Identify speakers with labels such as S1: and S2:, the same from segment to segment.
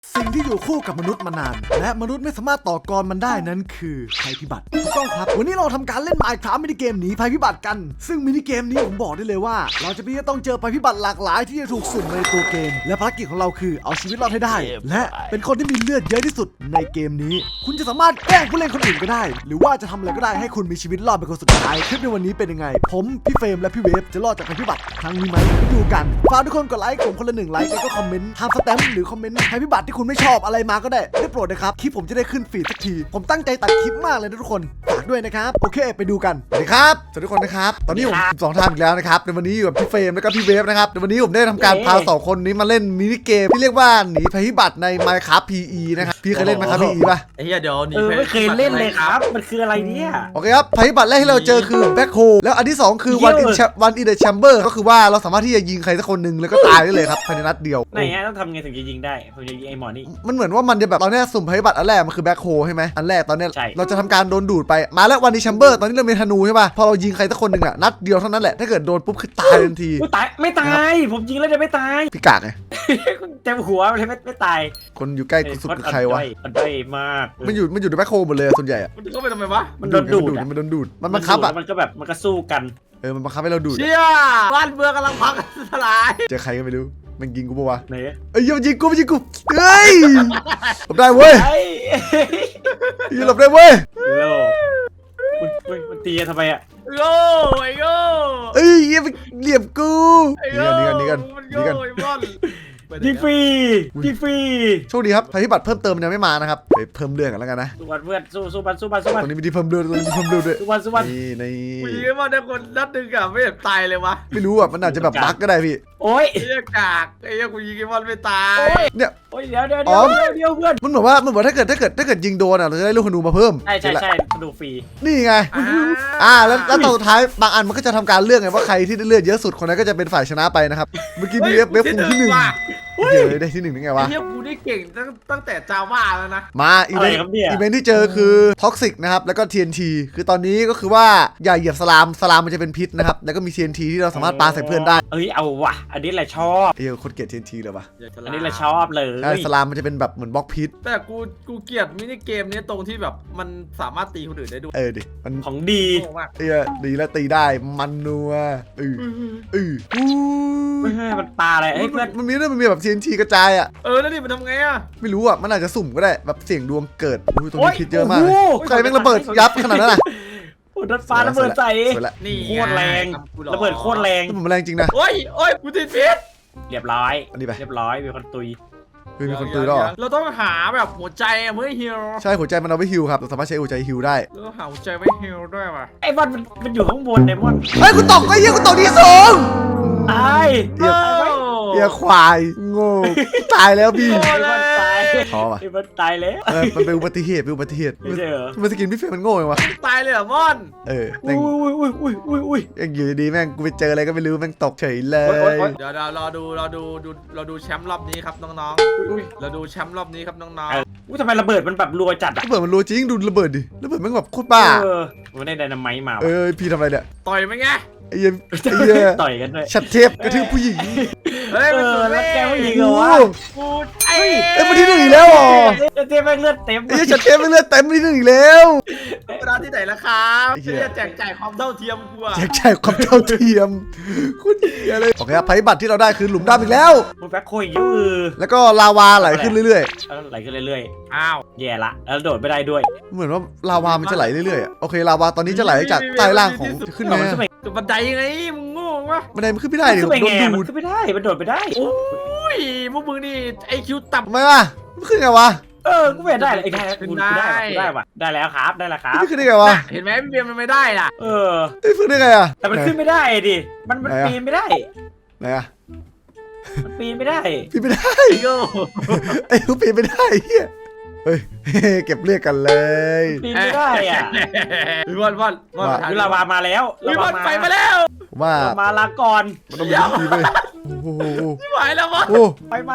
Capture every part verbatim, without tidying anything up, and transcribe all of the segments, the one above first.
S1: สิ่งที่อยู่คู่กับมนุษย์มานานและมนุษย์ไม่สามารถต่อกรมันได้นั้นคือภัยพิบัติถูกต้องครับวันนี้เราทำการเล่น Minecraft มินิเกมหนีภัยพิบัติกันซึ่งมินิเกมนี้ผมบอกได้เลยว่าเราจะมีต้องเจอภัยพิบัติหลากหลายที่จะถูกสุ่มในตัวเกมและภารกิจของเราคือเอาชีวิตรอดให้ได้และเป็นคนที่มีเลือดเยอะที่สุดในเกมนี้คุณจะสามารถแกล้งผู้เล่นคนอื่นก็ได้หรือว่าจะทำอะไรก็ได้ให้คุณมีชีวิตรอดเป็นคนสุดท้ายคลิปในวันนี้เป็นยังไงผมพี่เฟรมและพี่เวฟจะรอดจากภัยพิบัติครั้งนี้ไหมดูกันฝากทุกคนกดไลค์ผมคนละหนึ่งไลค์แล้วก็คอมเมนต์ทำสแตมป์หรือคอมเมนต์ภัยพิบัติที่คุณไม่ชอบอะไรมาก็ได้ได้โปรดนะครับคลิปผมจะได้ขึ้นฟีดสักทีผมตั้งใจตัดคลิปมากเลยนะทุกคนฝากด้วยนะครับโอเคไปดูกันสวัสดีครับสวัสดีทุกคนนะครับตอนนี้ผมสองท่านอีกแล้วนะครับในวันนี้อยู่กับพี่เฟรมแล้วก็พี่เวฟนะครับในวันนี้ผมได้ทำการพาสองคนนี้มาเล่นมินิเกมที่เรียกว่าหนีภัยพิบัติใน Minecraft พี อี นะครับพี่เคยเล่น Minecraft พี อี ป่ะ
S2: ไอ้เหี้ยเดี๋ยวหนี
S3: เออไม่เคยเล่นเลยครับมันคืออะไรเนี่ย
S1: โอเคครับภัยพิบัติแรกที่เราเจอคือแบ็คโฮแล้วอันที่สองคือวันอินวันอินเดอะแชมเบอร์ก็คือว่าเราสามารถที่จะยิงใครสักคนหนึ่งแล้วก็ตายได้เลยครับภายในนัดเดียว
S3: ไหนฮะต้องทำไงถึงจะยิงได้ผมจะยิงไอ้หมอนี่
S1: มันเหมือนว่ามันจะแบบตอนนี้สุ่มภัยพิบัติอันแรกมันคือแบ็คโฮใช่ไหมอันแรกตอนนี้เราจะทำการโดนดูดไปมาแล้ววันอินแชมเบอร์ตอนนี้เรามีธนูใช่ป่ะพอเรายิงใครสักคนหนึ่งอะนัดเดียวเท่านั้นแหละถ้าเกิดโดนปุ๊บคือตายทันที
S3: ตายไม่ตายผมยิงแล้วจะไม่ตาย
S1: พี่กากไง
S3: เจ็บหัวเลยไม่ไม่ตาย
S1: คนอยู่ใกล้สุดคือใครวะ
S3: มันได้มาก
S1: มันอยู่มันอยู่ในแบ็คโฮหมดเลยส่วนใหญ่อะ
S2: มันเข้าไปทำไมวะ
S3: มันโดนดูด
S1: มันโดนดูดมันบังคับอะ
S3: มันก็แบบมันก็สู้กัน
S1: เออมันบังคับให้เราดูด
S2: เชี่ยบ้านเมืองกำลังพังทลาย
S1: เจอใครก็ไม่รู้มันยิงกูปะวะ
S3: ไหน
S1: เอ้ยมันยิงกูมันยิงกูเฮ้ยหลบได้เว้ยยิงหลบได้เว้ย
S3: โลมันตีทำไมอะ
S2: โง่ไอ้โง่
S1: เอ้ยเหลี่ยมกูนี่กันนี่กันนี่กันนี่กัน
S3: ยิงฟรียิงฟรี
S1: โชคดีครับภัยพิบัติเพิ่มเติมมันยังไม่มานะครับไปเพิ่มเรื่องกันแล้วกันนะ
S3: สู้เพื่อนสู้สู้บันสู้บันสู้บัน
S1: ตรงนี้มีที่เพิ่มเรื่องตรงนี้มีเพิ่มเรื่องด้วย
S3: สู้บันสู้บัน
S1: นี่ใน
S2: กูยิงมาได้คนนัดหนึ่งอะไม่เห็นตายเลยวะ
S1: ไม่รู้อ่ะมันอาจจะแบบบั๊กก็ได้พี่
S3: โอ้ย
S2: ไอ้เหี้ยกากไอ้เหี้ยกูยิงไอ้บอลไม่ตาย
S1: เนี่ย
S3: โอ้ยเดี๋ยวเดี๋ยวเดี๋ยวเดี๋ยวเพื่อน
S1: มันเหมือนว่ามันเหมือนถ้าเกิดถ้าเกิดถ้าเกิดยิงโดนอ่ะเราจะได้ลูกธนูมาเพิ่ม
S3: ใช่ใช่ใช่ธนูฟรี
S1: นี่ไงอ่าแล้วแล้วตอนสุดท้ายบางอันมันก็จะทำการเลือกไงว่าใครที่ได้เลือดเยอะสุดคนนั้นก็จะเป็นฝ่ายชนะไปนะครับเมื่อกี้มีเว็บเว็บฟูที่หนึ่งเฮ้ยได้ที่หนึ่งได้ไงวะ
S2: เฮียกูได้เก่งตั้งตั้งแต่จาว่าแล้วนะ
S1: มาอีเวนต์อีเวนต์ที่เจอคือท็อกซิกนะครับแล้วก็ ที เอ็น ที คือตอนนี้ก็คือว่าอย่าเหยียบสลามสลามมันจะเป็นพิษนะครับแล้วก็มี ที เอ็น ที ที่เราสามารถปาใส่เพื่อนได้
S3: เอ้ยเอาว่ะอันนี้แหละชอบ
S1: เอ้ยคนเกลียด ที เอ็น ที เลยว่ะ
S3: อันนี้แหละชอบเลย
S1: ใช่สลามมันจะเป็นแบบเหมือนบล็อกพิษ
S2: แต่กูกูเกลียดมินิเกมนี้ตรงที่แบบมันสามารถตีคนอื่นได้ด้วย
S1: เออดิมัน
S3: ของดี
S1: เออดีแล้วตีได้มันนัวเออเออ
S3: ไม่ใช่มันปลาอะไรเฮ้ยเพื่อน
S1: มันมีด้วยมันมีแบบ ที เอ็น ที กระจายอ่ะ
S2: เออแล้วนี่มันทำไงอ่ะ
S1: ไม่รู้อ่ะมันอาจจะสุ่มก็ได้แบบเสี่ยงดวงเกิดอุ้ยตรงนี้พิษเยอะมากใครแม่งระเบิดยับขนาดนั้นอ่ะ
S3: โอ้ดัดฟ้าระเบิดใส่
S2: นี่
S3: โคตรแรงระเบิดโคตรแรง
S1: มันแรงจริงนะ
S2: โอ้ยโอ้ยกูติดพิษ
S3: เรียบร้อย
S1: อันนี้ไป
S3: เรียบร้อยมีคนตุย
S1: มีคนตุยแล้ว
S2: เราต้องหาแบบหัวใจเมื่อฮิล
S1: ใช่หัวใจมันเอาไว้ฮิลครับเราสามารถใช้หัวใจฮิลได้
S2: เราหาหัวใจไว้ฮิลด้วยป่ะ
S3: ไอ้บอลมันอยู่ข้างบนไอ้บอล
S1: เฮ้ยกูตกไอ้เหี้ยกูตกที่สูง
S3: ตาย
S1: เดี๋ยวเดี๋ยวควายโง่ตายแล้วพี่
S3: ตาย
S1: ท้อป่ะ
S3: ไอ้บอลตายแล้ว
S1: เออมันเป็นอุบัติเหตุเป็นอุบัติเหตุ
S3: ไม่ใช่เหรอ
S1: มันสกินพี่เฟรมมันโง่เลยวะ
S2: ตายเลยเหรอมอน
S1: เออ
S3: อุ้ยอุ้ยอุ้ยอุ้ยอุ้ยอุ้ย
S1: ยังอยู่ดีแม่งกูไปเจออะไรก็ไม่รู้แม่งตกเฉยเลย
S2: เดี๋ยวเราดูเราดูดูเราดูแชมป์รอบนี้ครับน้องๆเราดูแชมป์รอบนี้ครับน้อง
S3: ๆอุ้ยทำไมระเบิดมันแบบรัวจัดอะ
S1: ระเบิดมันรัวจริงดูระเบิดดิระเบิดมันแบบโคตรบ้า
S3: เออมันได้ไดนาไมต์มา
S1: เออพี่ทำอะไรเนี่ย
S2: ต่อยมั้ยไง
S1: ไอ้เหี้ยไอ้เหี้ย
S3: ต่อยกันด้วย
S1: ชัดเทปกระทืบผู้หญิง
S2: เฮ้ยมัน
S3: แล้วแกผู้หญิงเหรอวะ
S2: กูไอ้
S1: เอ้ยมาที่หนึ่งอีกแล้วอ๋อ
S3: ชัดเทปแม่งเลือดเต็ม
S1: ไอ้ชัดเทปแม่งเลือดเต็มที่หนึ่งอีกแล้ว
S2: ร้านที่ไหนล่ะครับจะแจกจ่ายความเท่าเทียมกูอะ
S1: แจกจ่ายความเท่าเทียมคุณเหี้ยเลยโอเคครับภัยพิบัติที่เราได้คือหลุมดำอีกแล้ว
S3: มันแบ็คโคยยืด
S1: แล้วก็ลาวาไหลขึ้นเรื่อย
S3: ๆไหลขึ้นเรื่อย
S2: ๆอ้าว
S3: แย่ละแล้วโดดไม่ได้ด้วย
S1: เหมือนว่าลาวามันจะไหลเรื่อยๆโอเคลาวาตอนนี้จะไหลจากใต้ล่างของขึ้นมา
S2: บันไดไงมึงโง่วะ
S1: บันไดมันขึ้นไม่ได้ดิโดนดูด
S3: ขึ้นไม่ได้มันโดดไม่ได้
S2: โอ้ยพวกมึงนี่ไอคิวต่ำ
S1: ทำไมวะมันขึ้นไงวะ
S3: เออกูไม่ได้เลยไอ้แค่กูได้ได้ว่ะได้แล้วครับได้แล้วครับ
S1: ขึ้นได้ไงวะ
S2: เห็นไหมพี่เบียร์มันไม่ได้ล่ะ
S3: เออ
S1: ไอ้ขึ้นได้ไงอะ
S3: แต่มันขึ้นไม่ได้ดิมันมันปีนไม่ได้
S1: ไหนอะ
S3: มันปีนไม่ได้
S1: ปีนไม่ได้ไอ้กูปีนไม่ได้เฮียเฮ้ยเก็บเลือดกันเลย
S3: ปีนไม่ได้อ่ะ
S2: วิวันวัน
S3: วันวิลาวามาแล้ว
S2: วิวันไปมาแล้ว
S1: ว่า
S3: มาลาก่อน
S1: มันต้องมีวิธีไปโอ้โห
S2: ไม่ไหวแล้ววะ
S3: ไปมา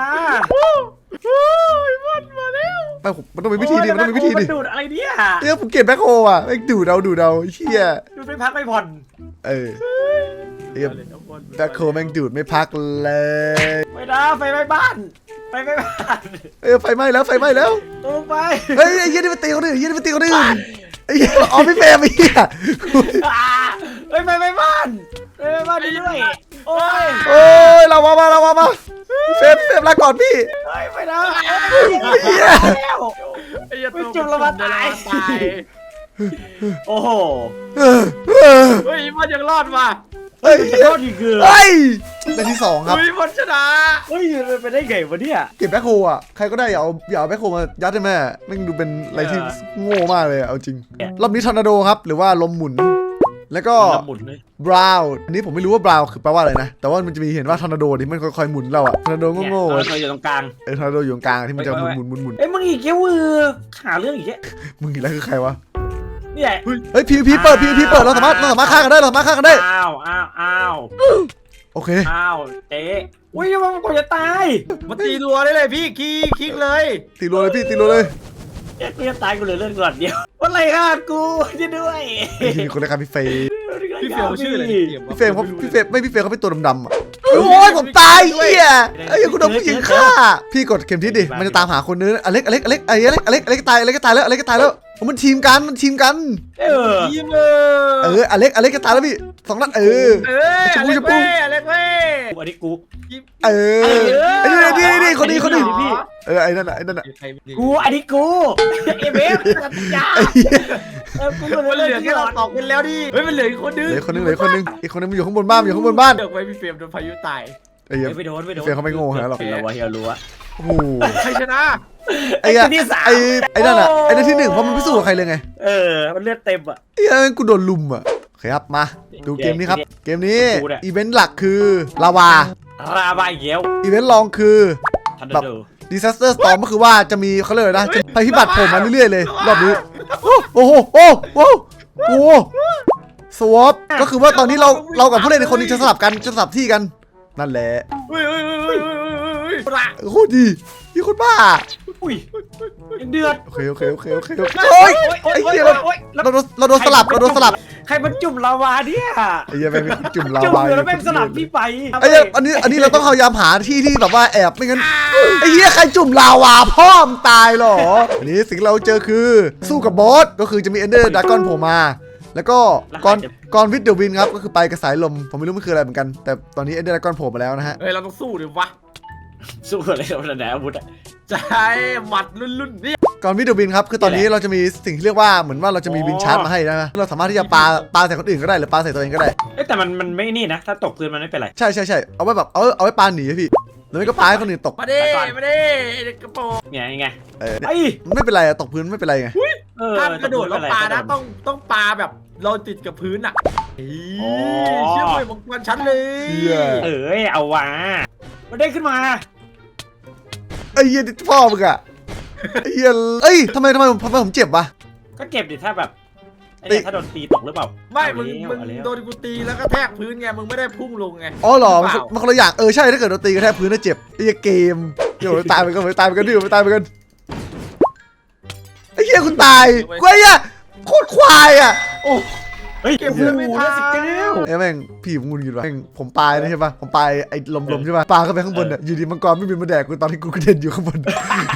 S2: วันมาแล้ว
S1: ไปมันต้องมีวิธีดิมันต้องมีวิธีดิ
S3: ดูดอะไรเนี่ย
S1: เนี่ยผมเก็บแบ็คโฮอ่ะไอ้ดูดเอาดูดเอาเชี่ย
S3: ดูดไม่พักไม่ผ่อน
S1: เออแบ็คโฮแม่งดูดไม่พักเลย
S3: ไปนะไฟไหม้บ้านไปไปไป
S1: เออไฟไหม้แล้วไฟไหม้แล้ว
S3: ลงไป
S1: เฮ้ยไอ้เหี้ยนี่มันตีคนอื่นไอ้เหี้ยนี่มันตีคนอื่นไอ้เหี้ยอ๋อพี่เฟรมไอ้เหี้ย
S3: เฮ้ยไปไปบ้านไปไปบ้านđiด้วยโอ้ย
S1: โอ้ยเรามามาเรามามาเฟรมเฟรมลาก่อนพี่
S3: เฮ้ยไปแล้ว
S1: เหี้ย
S3: แล้ว
S2: ไอ้เหี้ย
S3: ไม่จุ่มแล้วมาตาย
S2: ตาย
S3: โอ้โห
S1: เออเออ
S2: เฮ้ยมันยังรอดว่ะ
S1: เฮ้ย
S3: จะรอดอีกเกือ
S1: เฮ้ยในที่สองครับ
S2: เฮ้ยมันชนะ
S3: เฮ้ยไปได้ไงวะเนี่ย
S1: เก็บแบ็คโฮอ่ะใครก็ได้อย่าเอาอย่าเอาแบ็คโฮมายัดให้แม่แม่งดูเป็นอะไรที่โง่มากเลยอะเอาจริงรอบนี้ทอร์นาโดครับหรือว่าลมหมุน แล้วก็
S3: หมุนเลย
S1: บราวน์อันนี้ผมไม่รู้ว่าบราวน์คือแปลว่าอะไรนะแต่ว่ามันจะมีเห็นว่าทอร์นาโดนี่มันค่อยๆหมุนเราอะทอร์นาโด
S3: เนี่ย
S1: โง่ๆ
S3: เรา
S1: อะ
S3: อยู่ตรงกลาง
S1: เออทอร์นาโดอยู่ตรงกลางที่มันจะหมุนหมุนหมุนหมุน
S3: เอ้ยมึงอีกแค่วือหาเรื่องอีกแค่
S1: มึงอีกแล้วคือใครวะ
S3: นี่แหละ
S1: เฮ้ยพีพีเปิดพีพีเปิดเราสามารถเราสามารถฆ่ากันได้เราสามารถฆ่ากันได้
S3: อ้าวอ้าวอ้าว
S1: โอเค
S3: อ้าวเจ๊อุ้ยมันกว่าจะตาย
S2: มันตีรัวได้เลยพี่คีคลิกเลย
S1: ตีรัวเลยพี่ตีรัวเลย
S3: เจ๊กูจะตายกูเหลือเลือดก่อนเดียวอะไรฆ่ากูช่วยด้วย
S1: ไอ้ที่มีคนเลยครับพี่เฟย์
S2: พี่เฟลชื่ออะไร
S1: พี่เฟย์เขาพี่เฟย์ไม่พี่เฟย์เขาเป็นตัวดำๆอ่ะโอ้ยผมตายเหี้ยไอ้ยังกูโดนผู้หญิงฆ่าพี่กดเข็มทิศดิมันจะตามหาคนนึงอเล็กอเล็กอเล็กไอ้อเล็กอเล็กอเล็กตายอเล็กตายแล้วอเล็กตายแล้วมันทีมกันมันทีมกัน
S3: เออ
S2: ทีมเอ
S1: เอ
S2: อ
S1: ออเล็กอเล็กก็ตายแล้วพี่สองนัดเออ
S2: เอ้ยอเล็กเว้ยอเล็กเว้ย
S3: อันนี้กู
S1: เออไอ้นี่นี่นี่คนนี้คนนี้
S3: พี่
S1: เออไอ้นั่นน่ะไอ้นั่นน่ะ
S3: กูอันนี้กูเอเบฟยา
S1: ไอ้เหี้ย
S3: เออกูเหลื
S2: มัน
S3: อ
S2: เหลื
S3: เลื
S2: อ
S3: อด
S2: แค่เราตอกกันแล้วดิเฮ้ยมันเหลืออีกคนนึง
S1: เหลือคนนึงเหลือคนนึงอีกคนนึงมันอยู่ข้างบนบ้านอยู่ข้างบนบ้าน
S2: เลือกไว้พี่เฟรมโดนพายุตาย
S1: ไอ้เหี้ย
S3: ไปโดนไปโดน
S1: เฟรมเขาไม่โง่ขนาดนั้นหรอก
S3: เราวะเฮียรู้วะ
S1: โอ้โห
S2: ใครชนะ
S1: ไอ้เหี้ยไอ้ไอ้นั่นน่ะไอ้นั่นที่หนึ่งเพราะมันไม่สู้กับใครเลยไง
S3: เออมันเลือดเต็มอ่ะ
S1: ไอ้เหี้ยกูโดนลุมอ่ะโอเคครับมาดูเกมนี้ครับเกมนี้
S3: กูเนี่ย
S1: อีเวนต์หลักคือลาวา
S3: ราบายเยว
S1: อีเวนต์รองคือ
S3: ทัน
S1: แบบ
S3: เดอร์
S1: disaster storm ก็คือว่าจะมีเขาเรียกอะไรนะจะภัยพิบัติโผล่มาเรื่อยๆเลยรอบนี้โอ้โหโอ้โหโอ้โหสวอปก็คือว่าตอนนี้เราเรากับผู้เล่นในคนหนึงจะสลับกันจะสลับที่กันนั่นแหละ
S2: เฮ้ยเฮ้ยเฮ้ยเฮ้ยเฮ้ยเฮ้ยละ
S1: โคตรดีนี่คนบ้า
S3: อุ้ยยังเดือด
S1: โอเคโอเคโอเคโอเคโอเคโอ้ยไอ้เหี้ยเรา
S3: โอ๊ย
S1: เราโดนเราโดนสลับเราโดนสลับ
S3: ใครมันจุ่มลาวาเนี่ย
S1: ไอ้เหี้ยแม่งจุ่มลา
S3: จุ่ม
S1: วา
S3: อยู่แล้วแม่งสลับพี่ไป
S1: ไอ้เหี้ยอันนี้อันนี้เราต้องพยายามหาที่ที่แบบว่าแอบไม่งั้นไอ้เหี้ยใครจุ่มลาวาพ่อมงตายเหรออันนี้สิ่งที่เราเจอคือสู้กับบอสก็คือจะมีเอนเดอร์ดากอนโผล่มา แล้วก็กอนกอนวิดเดอร์วินครับก็คือไปกับสายลมผมไม่รู้มันคืออะไรเหมือนกันแต่ตอนนี้เอนเดอร์ดากอนโผล่มาแล้วนะฮะ
S2: เฮ้ยเราต้องสู้ดิวะ
S3: สู้อะไรกับมันไหนอาวุธอะ
S2: ใช่หมัดรุ่นๆนี่
S1: กอนวิดเดอร์วินครับคือตอนนี้เราจะมีสิ่งที่เรียกว่าเหมือนว่าเราจะมีวินชาร์จมาให้นะเราสามารถที่จะปาปาใส่คนอื่นก็ได้หรือปาใส่ตัวเองก็ได้
S3: เอ้แต่มันมันไม่นี่นะถ้าตกพื้นมันไม่เป็นไร
S1: ใช่ใช่ใช่เอาไว้แบบเอาเอาไว้ปาหนีอะพี่หรือไม่ก็ปาให้คนอื่นตก
S2: มาดิมาดิกระโปรง
S3: ไงไง
S1: เออ
S3: ไอ้
S1: มันไม่เป็นไรอะตกพื้นไม่เป็นไรไง
S3: เออ
S2: ห้ามกระโดดแล้วปานะต้องต้องปาแบบเราติดกับพื้นอ่ะเชื่อเลยมังกรชั้นเลย
S3: เออเอาวะมันได้ขึ้นมา
S1: ไอ้เหี้ยพ่อมึงอะไอ้เหี้ยเอ้ยทำไมทำไมผมทำไมผมเจ็บวะ
S3: ก็เก็บดิถ้าแบบไอ้ถ้าโดนตีตกหรือเปล่า
S2: ไม่มึงมึงโดนกูตีแล้วก็แทกพื้นไงมึงไม่ได้พุ่งลงไง
S1: อ๋อเหรอมันมันคนละอย่างเออใช่ถ้าเกิดโดนตีกระแทกพื้นน่ะเจ็บไอ้เหี้ยเกมเดี๋ยวตายไปกันไปตายไปกันดิไปตายไปกันไอ้เหี้ยคุณตายกูไอ้เหี้ยโคตรควายอะโอ้
S3: เฮ้ยเก็บเพื่อนไม่ทันสิบเก้า
S1: ไอ้แม่งพี่ผมงุนกินวะแม่งผมปลายนะใช่ปะผมปลายไอ้ลมๆใช่ปะปลาเข้าไปข้างบนอ่ะอยู่ดีมังกรไม่บินมาแดกกูตอนที่กูกระเด็นอยู่ข้างบน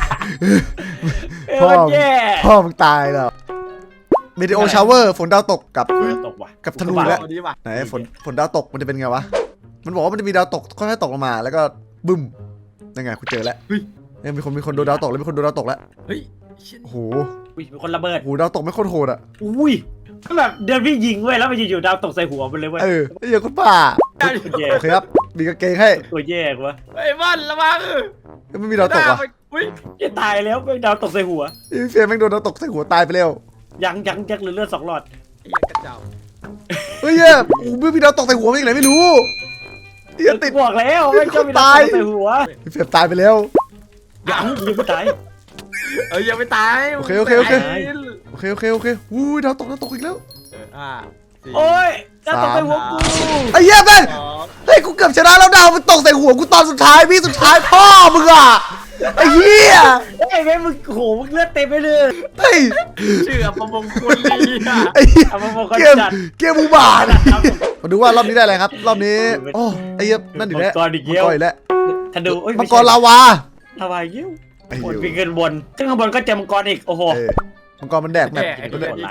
S3: พ่อแย่
S1: พ่อมึงตายแล้วเมดิโอชาวเวอร์ฝนดาวตกกับ
S3: ตกว่ะ
S1: กับธนูแล้ว
S2: เอาดีว่ะ
S1: ไหนฝนฝนดาวตกมันจะเป็นไงวะมันบอกว่ามันจะมีดาวตกค่อยๆตกลงมาแล้วก็บึ้มนั่นไงกูเจอแล้วเนี่ยมีคนมีคนโดนดาวตกแล้วมีคนโดนดาวตกแล้ว
S2: เฮ้ย
S1: โอ้โห
S3: อุ้ยเป็นคนระเบิด
S1: โอ้โหดาวตกไม่โคตรโหดอ่ะ
S3: อุ้ยก็แบบเดินพี่ยิงเว้ยแล้วมันจะอยู่ดาวตกใส่หัวมันเลยเว้ย
S1: เออไอ้เหี้ยคนบ้า
S3: แย่
S1: โอเคครับมีกางเกงให้
S3: ตัวแย่กว่า
S2: ไอ้บอลระวัง
S1: ไม่มีดาวตกอ่ะ
S2: อุ้ย
S3: จะตายแล้วเป็นดาวตกใส่หัว
S1: ไอ้เฟียแม่งโดนดาวตกใส่หัวตายไปแล้ว
S3: ยังยังยังเหลือเลือดสองหลอด
S2: ไอ้ยังกระเจ้า
S1: เฮ้ยเนี่ยโอ้ไม่มีดาวตกใส่หัวมาอีกไหนไม่รู้เหี้ยติด
S3: บอกแล้วไม่ชอบมีดาวตกใส่หัว
S1: เฟียตายไปแล้ว
S3: ยังยังไม่ตาย
S2: เอ้ยยังไม่ตาย
S1: โอเคโอเคโอเค โอเคโอเคโอเคอู้ยดาวตกดาวตกอีกแล้ว
S2: อ่า
S3: โอ้ยดาวตกใส่หัวกู
S1: ไอ้เหี้ยแม่งเฮ้ยกูเกือบชนะแล้วดาวมันตกใส่หัวกูตอนสุดท้ายพี่สุดท้ายพ่อมึงอ่ะไอ้เหี้ย
S3: ไอ้แม่มึงโหมึงเลือดเต็มไปเลย
S1: เฮ้ย
S2: ชื่อประมงคลลีอ่ะ
S1: ไอ้เหี้ย
S3: เอามาบอกกัน
S1: เกม
S3: จัด
S1: เกมอุบาทมาดูว่ารอบนี้ได้อะไรครับรอบนี้โอ้ไอ้เหี้ยนั่นอีกแล้ว
S3: มังกรอีก
S1: มัง
S3: เยี่ยว
S1: กรอีกแล้ว
S3: ธนูเอ้ย
S1: มังกรลาวา
S3: ฮาวายยิ้ว
S1: ไอ้
S3: บน
S1: ยู
S3: ปีนขึ้นบนขึ้นข้างบนก็เจอมังกรอีกโอ้โห
S1: เออมังกรมันแดกแมป
S2: แย่
S1: มันแดก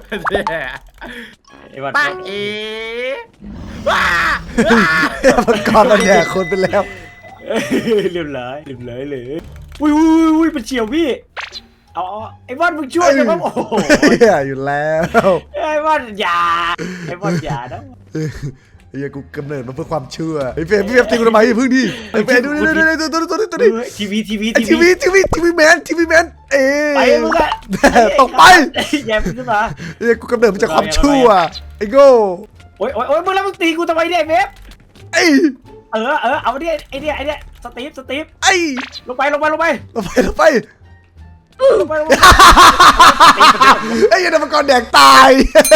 S3: ไอ้วัน
S2: ป้าเอ๋ว้า
S1: มังกรมันแดกคนไปแล้ว
S3: เรียบร้อยเรียบร้อยเลยอุ้ยอุ้ยอุ้ยมันเฉียวพี่เอาไอ้บอลมึงช่วยกันบ้างโอ้โห
S1: เฮียอยู่แล้ว
S3: ไอ้บอลอย่าไอ้บอลอย่านะ
S1: เฮียกูกำเนิดมาเพื่อความเชื่อไอ้เฟรมพี่เฟรมตีกูทำไมอย่าพึ่งดิไอ้เฟรมดูดิดูดิดูดิดูดิดูดิ
S3: ทีวีทีวี
S1: ไอ้ทีวีทีวีทีวีแมนทีวีแมนเอ๊
S3: ไปมึงอะ
S1: ตกไป
S3: แย่มึงขึ้นมา
S1: เฮียกูกำเนิดมาจากความชั่วไอ้โง่
S3: โอ้ยโอ้ยโอ้ยมึงแล้วมึงตีกูทำไมเนี่ยเวฟ
S1: ไอ้
S3: เออเออเอาดิไอ้เนี่ยไอ้เนี่ยสตีฟสตีฟ
S1: ไอ้
S3: ลงไปลงไปลงไป
S1: ลงไปลงไป
S3: ลงไปลงไป
S1: ไอ้เหี้ยันมังกรแดกตาย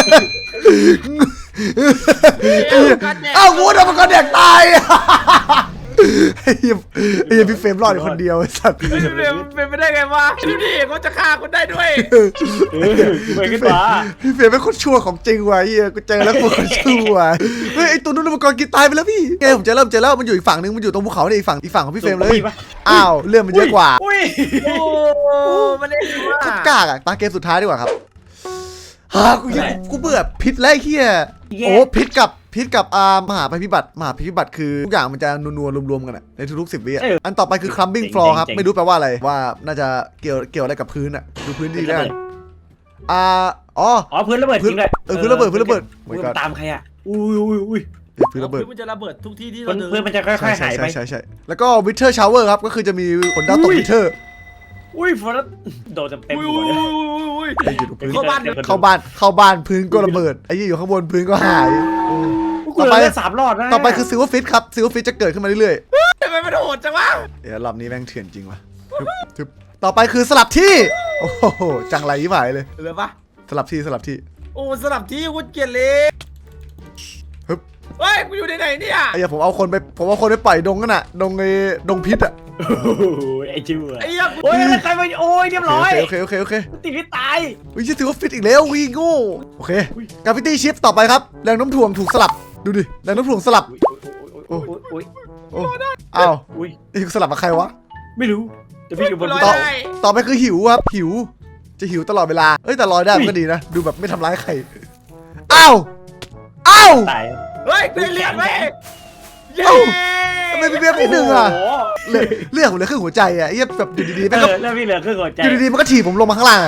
S1: เอ้ากูโดนมังกรแดกตายไอ้เหี้ยไอ้เหี้ยพี่เฟรมรอดอยู่คนเดียวไอ้สัตว์
S2: เฮ้ยเป็นเป็นไปได้ไงวะดูดิเขาจะฆ่าคนได้ด้วย
S3: ไปขึ้นมา
S1: พี่เฟรมเป็นคนชั่วของจริงว่ะไอ้เหี้ยกูเจอแล้วกูคนชั่วเฮ้ยไอ้ตัวนู้นมังกรกินตายไปแล้วพี่ไงผมเจอแล้วผมเจอแล้วมันอยู่อีกฝั่งนึงมันอยู่ตรงภูเขาเนี่ยอีกฝั่งอีกฝั่งของพี่เฟรมเลยอ้าวเรื่องมันเยอะกว่า
S3: อุ้ย
S2: โอ้มันเล่นว่า
S1: ก็กากอะตาเกมสุดท้ายดีกว่าครับฮ่ากูยังกูเบื่อพิษแล้วไอ้เหี้ยโอ้พิษกับพิษกับอ่ามหาภัยพิบัติมหาภัยพิบัติคือทุกอย่างมันจะนัวๆรวมๆกันอะในทุกๆสิบวิอะอันต่อไปคือ crumbling floor ครับไม่รู้แปลว่าอะไรว่าน่าจะเกี่ยวเกี่ยวอะไรกับพื้นอะดูพื้นดีแล้วกันอ่าอ๋อ
S3: อ๋อพื้นระเบิดจริงเลย
S1: เออพื้นระเบิดพื้นระเบิด
S3: พื้นตามใครอะอุ้ยอุ้ยอุ้ย
S1: พื้นระเบิด
S2: มันจะระเบิดทุกที่ที่
S3: พื้
S2: เรา
S3: น
S2: เดิน
S3: พื้นมันจะค่อยๆ
S1: ใช่
S3: หาย
S1: ใช่
S3: ไป
S1: ใช่ใช่แล้วก็ winter shower ครับก็คือจะมีฝนดาวตก winter
S3: อุ้ยฝนโดนเต็ม
S2: อุ้ย
S3: หัว
S2: อุ้ย
S3: เลย
S2: อุ้ยอุ้ย
S1: ไอ้อยู่ตรงพื้น
S2: เข้าบ้าน
S1: เข้าบ้านเข้าบ้านพื้นก็ระเบิดไอ้ยี่อยู่ข้างบนพื้นก็หาย
S3: ต่อไปสามรอดนะ
S1: ต่อไปคือ silver fish ครับ silver fish จะเกิดขึ้นมาเรื่อยๆ
S2: ทำไมมันโหดจังวะ
S1: เดี๋ยวรอบนี้แม่งเถื่อนจริงว่ะทึบทึบต่อไปคือสลับที่ โอ้โห จังไรยิ่งหายเลย
S2: เหลือปะ
S1: สลับที่สลับที่
S2: โอ้สลับที่กูเกลียดเลย
S1: ฮึบ
S2: เฮ้ยกูอยู่ในไหนเนี่ย
S1: ไอ้เหี้ยผมเอาคนไป ผมเอาคนไปปล่อยดงกันน่ะ ดงไอ้ดงพิษอ่ะ
S3: โอ้ยไอ้ชื่อ
S2: ไอ้เหี้ยกู
S3: โอ้ยใครมาโอ้ยเรียบร้อย
S1: โอเคโอเคโอเคโอเค
S3: ติดที่ตาย
S1: วิชิถือว่าฟิตอีกแล้ววีโง่โอเคกราฟิตี้ชิปต่อไปครับ แรงโน้มถ่วงถูกสลับ ดูดิ แรงโน้มถ่วงสลับ
S3: อุ้ยอุ้ย
S1: โอ้อ้าว
S3: อุ้ย
S1: ไอ้สลับกับใครวะ
S3: ไม่รู้แต่พี่อยู่บน
S2: ลอย
S1: ต่อ
S2: ได้
S1: ต่อไปคือหิวครับ หิว จะหิวตลอดเวลา เอ้ยแต่ลอยได้มันก็ดีนะ ดูแบบไม่ทำร้ายใคร อ้าว อ้าว
S3: ตาย
S2: เฮ้ยกูได้เลือดเว้ยเย้
S1: เอ้า ทำไมพี่เบี้ยพี่หนึ่งอ่ะเลือดเลือดผมเหลือครึ่งหัวใจอ่ะไอ้เหี้ยแบบอยู่ดีๆ
S3: เอ
S1: แม่งก็
S3: อแล้วพี่เหลือครึ่งหัวใจ
S1: อยู่ดีๆมันก็ถีบผมลงมาข้างล่าง